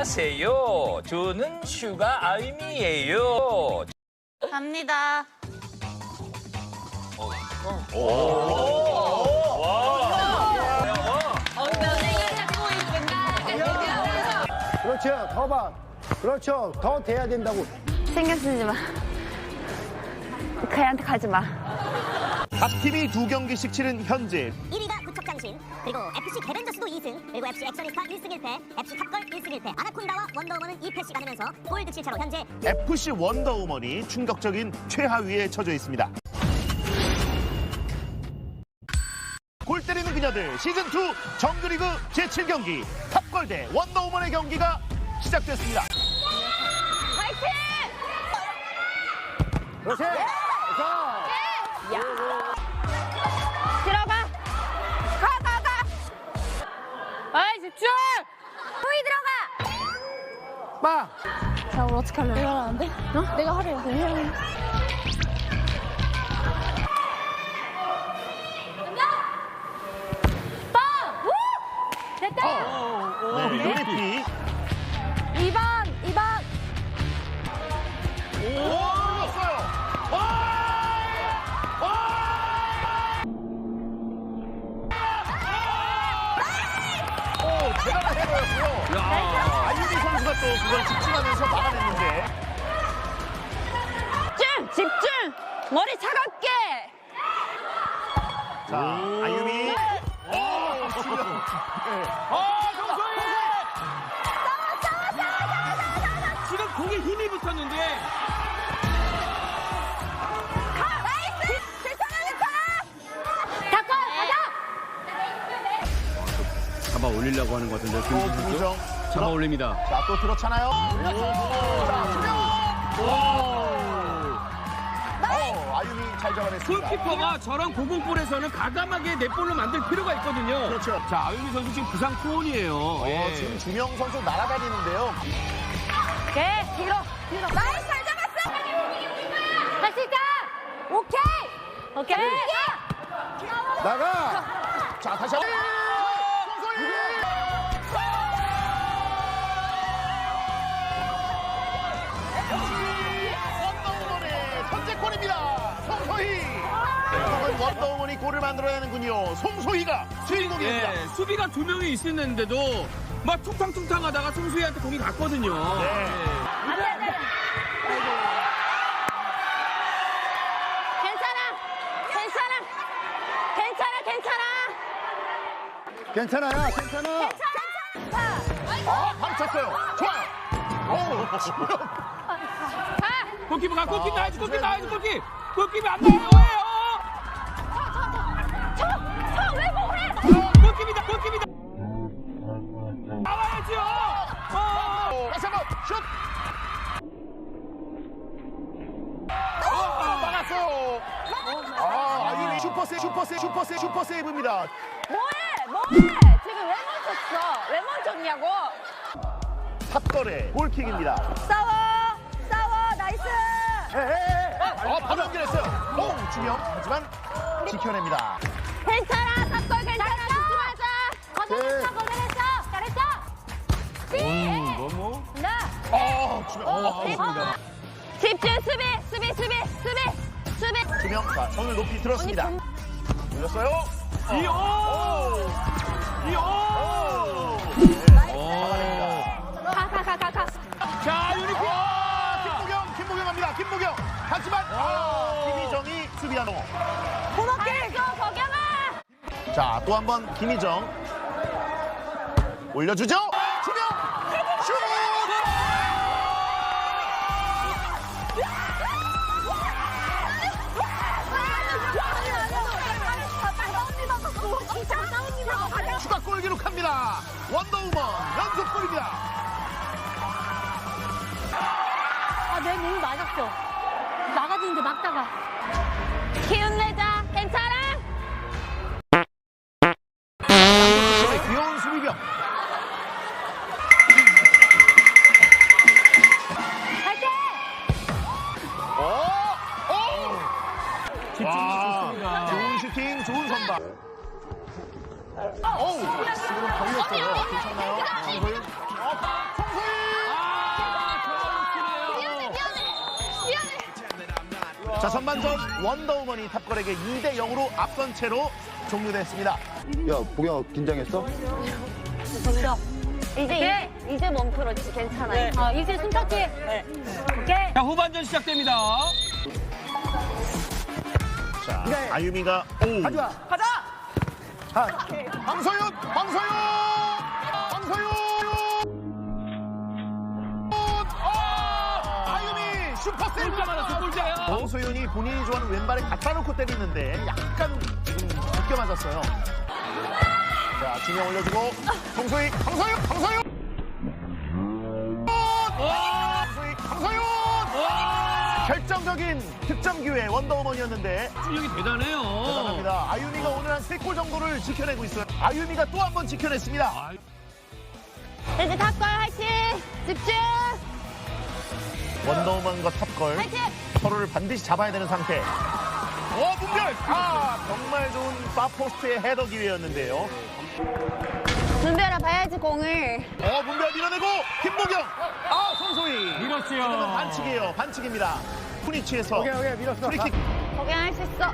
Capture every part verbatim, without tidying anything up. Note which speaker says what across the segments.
Speaker 1: 안녕하세요. 저는 슈가 아유미예요.
Speaker 2: 갑니다.
Speaker 3: 그렇죠. 더 봐. 그렇죠. 더 돼야 된다고.
Speaker 2: 신경 쓰지 마. 걔한테 가지 마.
Speaker 4: 각 팀이 두 경기씩 치른 현재
Speaker 5: 일 위가 구척장신, 그리고 에프씨 개벤저스도 이 승, 그리고 에프씨 액션리스타 일 승 일 패, 에프씨 탑걸 일 승 일 패, 아나콘다와 원더우먼은 이 패씩 가누면서 골드칠 차로 현재
Speaker 4: 에프씨 원더우먼이 충격적인 최하위에 처져 있습니다. 골 때리는 그녀들 시즌이 정규리그 제칠 경기 탑걸 대 원더우먼의 경기가 시작됐습니다.
Speaker 2: 파이팅!
Speaker 3: 그렇지. 자.
Speaker 2: 야. 들어가. 가, 가, 가. 아이, 집중! 후이 들어가!
Speaker 3: 빠.
Speaker 2: 자, 오늘 어떻게 하려고? 내가 하는데? 어? 내가 하래요. 내가 해요. 빠! 우! 됐다!
Speaker 4: 네, 요리피.
Speaker 2: 이 번, 이 번.
Speaker 4: 오, 올렸어요. 와! 와! 오, 대단한 헤더였고요. 아유미 선수가 또 그걸 집중하면서 막아냈는데.
Speaker 2: 집중! 집중! 머리 차갑게!
Speaker 4: 자, 아유미. 오, 지금. 네.
Speaker 1: 아, 정소희! 지금 공에 힘이 붙었는데.
Speaker 2: 가! 나이스! 괜찮아, 괜찮아! 닦아! 가자!
Speaker 6: 잡아 올리려고 하는 것 같은데
Speaker 4: 또
Speaker 6: 김민수 선수
Speaker 4: 김우정.
Speaker 6: 잡아 올립니다.
Speaker 4: 자, 또 들어차나요? 자, 수명. 오, 아유미 잘 잡아냈습니다.
Speaker 1: 골키퍼가 저런 고공볼에서는 가감하게 넷볼로 만들 필요가 있거든요.
Speaker 4: 그렇죠.
Speaker 1: 자, 아유미 선수 지금 부상 투혼이에요.
Speaker 4: 어,
Speaker 1: 예.
Speaker 4: 지금 주명 선수 날아다니는데요.
Speaker 2: 오케이, 뒤로, 뒤로. 나이스, 잘 잡았어! 할 수 있다! 오케이! 오케이!
Speaker 3: 나가.
Speaker 4: 자, 다시 한 번. 원더우먼의 선제골입니다. 송소희. 오늘 원더우먼이 골을 만들어내는군요. 송소희가 주인공입니다.
Speaker 1: 예, 수비가 두 명이 있었는데도 막 퉁탕퉁탕 하다가 송수희한테 공이 갔거든요.
Speaker 4: 네.
Speaker 2: 안 돼, 안 돼. 괜찮아! 괜찮아! 괜찮아, 괜찮아!
Speaker 3: 괜찮아요. 괜찮아.
Speaker 2: 괜찮아!
Speaker 4: 아, 바로 쳤어요. 좋아요. 오, 지금.
Speaker 2: 가!
Speaker 1: 골키퍼 가, 골키퍼 나야지, 골키퍼 나야지, 골키퍼! 골키퍼 안 나와요, 왜요?
Speaker 2: 쳐! 쳐! 왜 뭐해?
Speaker 1: 골키퍼이다, 골키퍼이다! 나와야죠! 어!
Speaker 4: 다시 한 번, 슛! 어, 막았어! 아, 아유미 슈퍼세, 슈퍼세, 슈퍼세, 슈퍼세이브입니다.
Speaker 2: 뭐해? 뭐해? 지금 왜 멈췄어? 왜 멈췄냐고?
Speaker 4: 탑걸의 골킥입니다.
Speaker 2: 싸워! 싸워! 나이스!
Speaker 4: 어, 바로 연결했어요. 오, 주명. 하지만 지켜냅니다.
Speaker 2: 괜찮아! 탑골 괜찮아! 집중하자! 거절했어!
Speaker 3: 네.
Speaker 2: 거절했어! 잘했어! 삐!
Speaker 1: 너무?
Speaker 2: 나!
Speaker 4: 어, 주명. 어,
Speaker 2: 집-
Speaker 4: 좋습니다.
Speaker 2: 집중! 수비! 수비! 수비! 수비! 수비!
Speaker 4: 주명. 자, 손을 높이 들었습니다.
Speaker 2: 언니,
Speaker 4: 올렸어요.
Speaker 1: 이오! 이오!
Speaker 2: 가! 가! 가! 가! 가!
Speaker 1: 자, 유니폼!
Speaker 4: 김보경, 김보경 갑니다. 김보경. 하지만 아, 김희정이 수비하노.
Speaker 2: 고맙게! 거경아!
Speaker 4: 자, 또 한 번 김희정. 올려주죠. 주명. 슛! 추가 골 기록합니다. 원더우먼 연속골입니다.
Speaker 2: 아, 내 몸이 맞았어. 나가지는데 막다가. 기운 내자. 괜찮아?
Speaker 4: 귀여운 수비병.
Speaker 2: 갈게!
Speaker 4: 오! 오!
Speaker 1: 집중력 좋습니다.
Speaker 4: 좋은 슈팅, 좋은 선방. 어우, 지금 걸렸어요. 괜찮나요? 송소희? 어, 송소희! 자, 전반전 원더우먼이 탑걸에게 이 대 영으로 앞선 채로 종료됐습니다.
Speaker 3: 야, 보경아, 긴장했어?
Speaker 2: 이제 이제 몸풀었지 괜찮아요. 어, 이제 숨차기. 네. 오케이.
Speaker 1: 자, 후반전 시작됩니다.
Speaker 4: 자,
Speaker 3: 그래.
Speaker 4: 아유미가 오.
Speaker 3: 가져와.
Speaker 1: 가자!
Speaker 3: 아,
Speaker 4: 황소윤! 황소윤! 황소윤! 아! 아유미 슈퍼 세이브!
Speaker 1: 골자 맞았어, 골자야.
Speaker 4: 황소윤이 본인이 좋아하는 왼발에 갖다 놓고 때리는데 약간 지금 늦게 맞았어요. 자, 중영 올려주고 황소희! 황소윤! 황소윤! 황소희! 황소윤! 결정적인 득점 기회 원더우먼이었는데
Speaker 1: 실력이 대단해요.
Speaker 4: 대단합니다. 아유미가 오늘 한 세 골 정도를 지켜내고 있어요. 아유미가 또 한 번 지켜냈습니다.
Speaker 1: 아,
Speaker 2: 이제 탑걸 화이팅. 집중.
Speaker 4: 원더우먼과 탑걸
Speaker 2: 화이팅.
Speaker 4: 서로를 반드시 잡아야 되는 상태. 어, 문별! 아, 정말 좋은 파포스트의 헤더 기회였는데요.
Speaker 2: 준비하라 봐야지 공을.
Speaker 4: 어, 문별 밀어내고 김보경! 아, 손소희!
Speaker 1: 밀었어요.
Speaker 4: 이거는 반칙이에요. 반칙입니다. 푸니치에서
Speaker 3: 오케이, 오케이, 밀었어.
Speaker 4: 프리킥.
Speaker 2: 거기할 수 있어.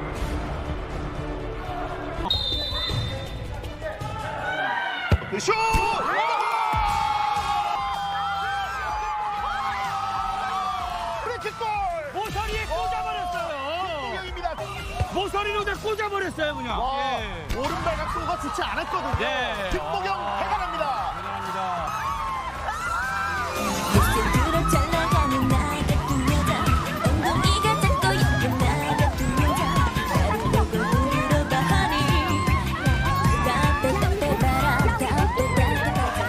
Speaker 4: 그 슛! 프리킥골!
Speaker 1: 모서리에 꽂아버렸어요.
Speaker 4: 김보경입니다.
Speaker 1: 모서리로 다 꽂아버렸어요, 그냥.
Speaker 4: 와,
Speaker 1: 예.
Speaker 4: 오른발 각도가 좋지 않았거든요.
Speaker 1: 네.
Speaker 4: 김보경 대단합니다.
Speaker 1: 대단합니다.
Speaker 7: 모습으로 잘 나가는 나의 두 여자 엉덩이가 작고 예쁜 나의 두 여자 나를 보고 물어봐 honey 따뜻따뜻해봐라 따뜻따뜻하지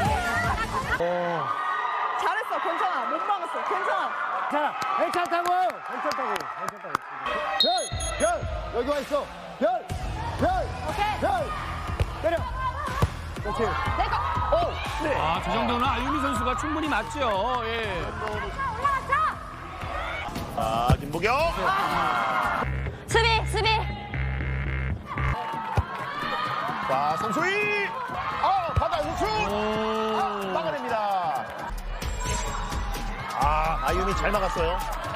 Speaker 8: 잘했어. 괜찮아. 못 막았어. 괜찮아.
Speaker 3: 괜찮아. 괜찮다고. 괜찮다고. 괜찮다고. 별, 별. 여기 와 있어. 별, 별.
Speaker 2: 오케이.
Speaker 3: 별. 때려. 그렇지.
Speaker 4: 오, 네.
Speaker 1: 아, 저 정도는 아유미 선수가 충분히 맞죠. 예.
Speaker 2: 올라갔어.
Speaker 4: 아, 김보경.
Speaker 2: 수비 수비.
Speaker 4: 자, 송소희. 아, 바다 우측.
Speaker 1: 오.
Speaker 4: 아, 막아냅니다. 아, 아유미 잘 막았어요.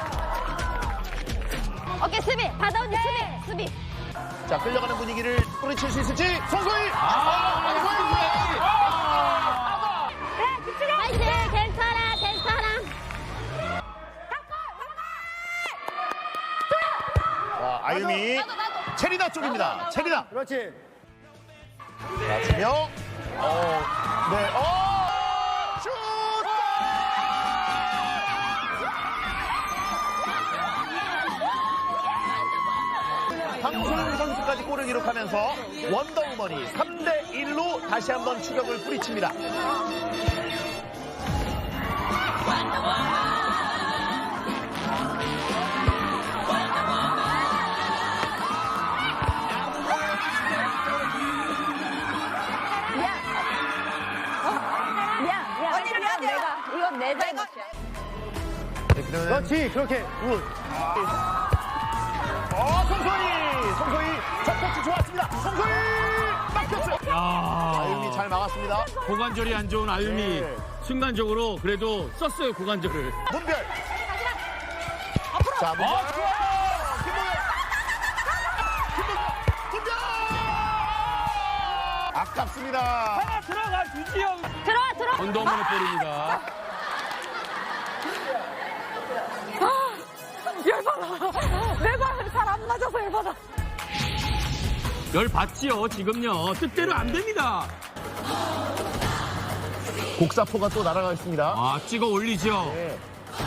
Speaker 2: 오케이 수비. 받아오지 수비 수비.
Speaker 4: 자, 끌려가는 분위기를 뿌리칠 수 있을지. 송소희.
Speaker 1: 아,
Speaker 4: 아,
Speaker 1: 아유,
Speaker 4: 송소희.
Speaker 1: 아.
Speaker 2: 그래 집중해. 화이팅. 괜찮아 괜찮아.
Speaker 4: 자, 아유미. 체리나 쪽입니다. 체리나.
Speaker 3: 그렇지.
Speaker 4: 자, 주명. 어, 네. 어! 슛! 황소윤 선수까지 골을 기록하면서 원더우먼이 삼 대 일로 다시 한번 추격을 뿌리칩니다.
Speaker 2: 미안 미안.
Speaker 8: 언니, 미안해요.
Speaker 2: 내가 이건 내 잘못이야.
Speaker 4: 네, 그러면
Speaker 3: 그렇지. 그렇게. 굿.
Speaker 4: 어, 송소희! 송소희 첫 터치 좋았습니다. 송소희! 막혔어요.
Speaker 1: 야.
Speaker 4: 아유미 잘 막았습니다.
Speaker 1: 고관절이 안 좋은 아유미.
Speaker 4: 네.
Speaker 1: 순간적으로 그래도 썼어요, 고관절을.
Speaker 4: 문별. 자, 문별.
Speaker 1: 아, 좋아!
Speaker 4: 김보경. 김보경. 문별. 아깝습니다.
Speaker 1: 하나 들어가 주지요.
Speaker 2: 들어와 들어와.
Speaker 1: 원더우먼의 볼입니다.
Speaker 8: 열받아. 내가 잘 안 맞아서 열받아.
Speaker 1: 열 받지요, 지금요. 뜻대로 안 됩니다.
Speaker 4: 곡사포가 또 날아가 있습니다.
Speaker 1: 아, 찍어 올리죠.
Speaker 4: 네.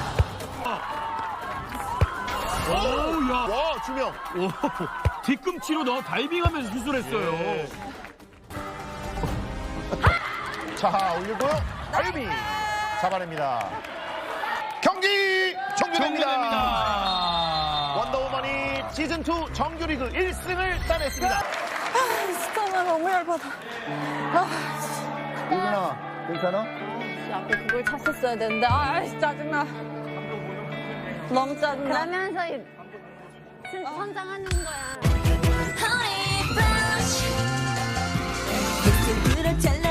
Speaker 1: 오우, 야.
Speaker 4: 와, 주명.
Speaker 1: 오, 뒤꿈치로 넣어 다이빙하면서 수술했어요.
Speaker 4: 네. 자, 올리고요. 아유미 잡아냅니다. 경기 종료됩니다.
Speaker 1: 종료됩니다.
Speaker 4: 원더우먼이 시즌이 정규리그 일 승을 따냈습니다.
Speaker 8: 아, 진짜 나 너무 열받아.
Speaker 3: 유근아, 괜찮아?
Speaker 8: 앞에 그걸 찼었어야 되는데. 아, 짜증나. 너무 짜증나.
Speaker 2: 그러면서 이- 선- 선장하는 거야.
Speaker 7: honey brush 모습으로 잘